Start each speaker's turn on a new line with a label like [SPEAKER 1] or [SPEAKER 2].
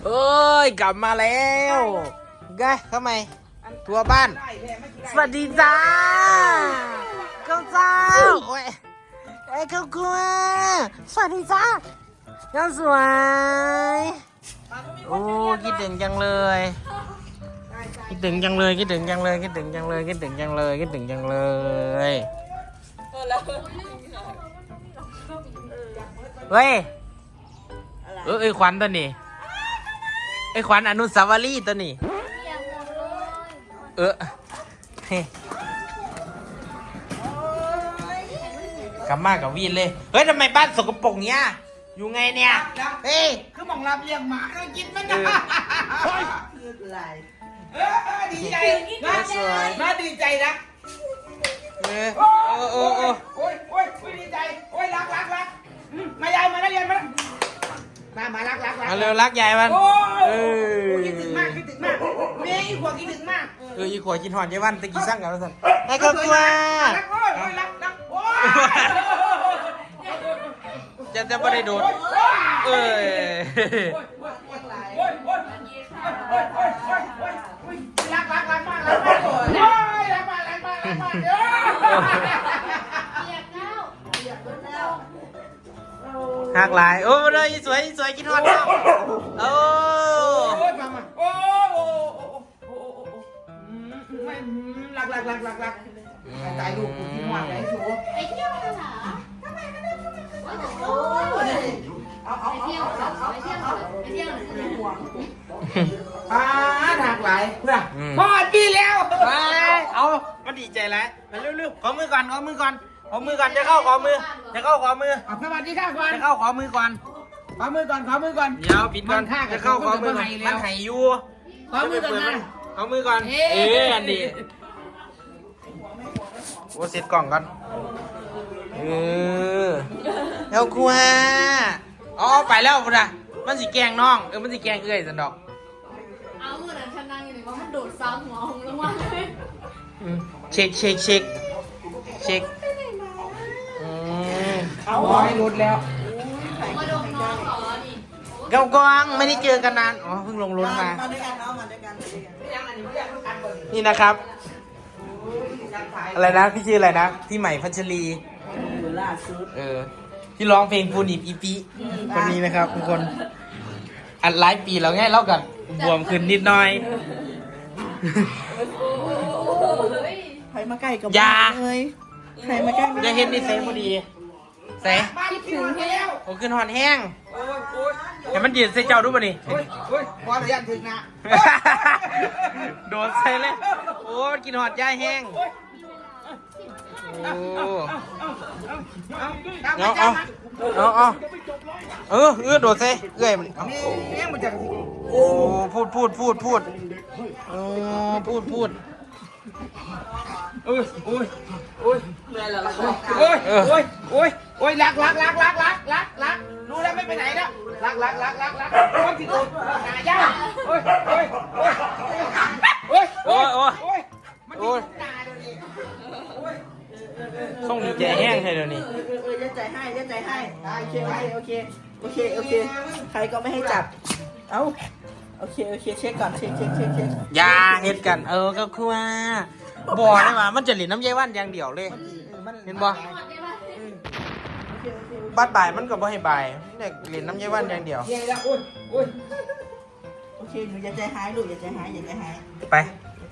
[SPEAKER 1] เอ้ยกลับมาแล้วไงทำไมทัวบ้านสวัสดีจ้าข้าวเจ้าโอ้ยไอ้ข้าวกลัวสวัสดีจ้าข้าวสวยโอ้คิดถึงจังเลยคิดถึงจังเลยคิดถึงจังเลยคิดถึงจังเลยคิดถึงจังเลยคิดถึงจังเลยเฮ้ยไอ้ขวัญตัวนี้ไอ้ขวัญอนุสาวรีย์ตัวนี้กลับมากับวีนเลยเฮ้ยทำไมบ้านสกปรกเนี้ยอยู่ไงเนี่ยเฮ้ย
[SPEAKER 2] คือมองรับเลี้ยงหมาเรากินมันนะดีใจน่าดีใจนะโอ้ยดีใจโอ้ยรักมายายมาแล้วเรียนมารัก
[SPEAKER 1] มาเร็วรักยายมัน
[SPEAKER 2] คิดถึงมากเมย์อีขวบคิดถึงมาก
[SPEAKER 1] อีขวบกินหอนยายวันตะกี้สั่งกันแล้วสั่นไอ้ก็กลัว
[SPEAKER 2] รัก
[SPEAKER 1] จะไม่ได้โดน
[SPEAKER 2] รักมาก
[SPEAKER 1] หักหลายโอ้เลยสวยกินหอนแล้วโอ้
[SPEAKER 2] รักตายลูกกูที่หวานไอ้ชู
[SPEAKER 3] ไปเที่ยวกันเหรอไปเที่ยวห่วง
[SPEAKER 2] หักหลายพอดพี่แล้ว
[SPEAKER 1] เอามันดีใจแล้วมาเร็วขอมือก่อนจะเข้าขอมือ
[SPEAKER 2] สวัสดีค่ะก่อน
[SPEAKER 1] จะเข้าขอมือก่อนเดี๋ยวปิดก่อนจะเข้าขอมือมันไห้อยู่
[SPEAKER 2] ขอมือก่อนนะ
[SPEAKER 1] ขอมือก่อนอันดีโอ้เสร็จกล่องก่อนแล้วครัวอ๋อไปแล้วพุ่นน่ะมันสิแกงน้องมันสิแกงสันดอก
[SPEAKER 3] เอาเมื่อนั้นฉันนั่งอยู่ในว่ามันโดดซ้ำหัวหงลงมาเลย
[SPEAKER 1] เช็ค
[SPEAKER 2] เอาให้รุดแล้ว
[SPEAKER 3] มาดมน้องเหรอนี่
[SPEAKER 1] เก้ากองไม่ได้เจอกันนานอ๋อเพิ่งลงรถมา
[SPEAKER 2] ด้วยกัน
[SPEAKER 1] นี่นะครับอะไรนะพี่ชื่ออะไรนะพี่ใหม่พัชรี
[SPEAKER 2] ล่าสุด
[SPEAKER 1] ที่ร้องเพลงปูนิบอีปีคนนี้นะครับทุกคนอัดหลายปีแล้วไงเล่ากันบวมขึ้นนิดหน่อย
[SPEAKER 2] ใครมาใกล้กับ
[SPEAKER 1] เลย
[SPEAKER 2] ใครมาใกล้
[SPEAKER 1] จะเห็นนี่เซ่พอดีเซ่
[SPEAKER 3] คิดถึงแล้ว
[SPEAKER 1] โอ้ขึ้นหอนแห้งแต่มันยืนเซ่เจ้าดูป่ะนี่
[SPEAKER 2] พอระยะถึงนะ
[SPEAKER 1] โดนเซ่เลยโอ้กินหอดย่าแห้งเอาโดดเซ่มันโอ้พูดพูดโอ้พูด
[SPEAKER 2] เหนื่อยแล้วโอ้ยรักรู้แล้วไม่ไปไหนแล้วรักคนที่โดนหายากโอ้ยมันตาเดี๋ยวนี้
[SPEAKER 1] ส่งดีใจแห้งให้เดี๋ยวนี้
[SPEAKER 2] จะใจให้โอเคใครก็ไม่ให้จับเอ้าโอเคเช็คก่อนเช็ค
[SPEAKER 1] ยาเฮ็ดกันก็คือว่าบ่อได้มามันจะหลินน้ำยายว่านอย่างเดียวเลยเห็นบ่บัดบ่ายมันก็บ่ให้บ่ายเนี่ยหลินน้ำยายว่านอย่างเดียว
[SPEAKER 2] โอเคหนูอย่าใจหายลูกอย่าใจหาย
[SPEAKER 1] ไป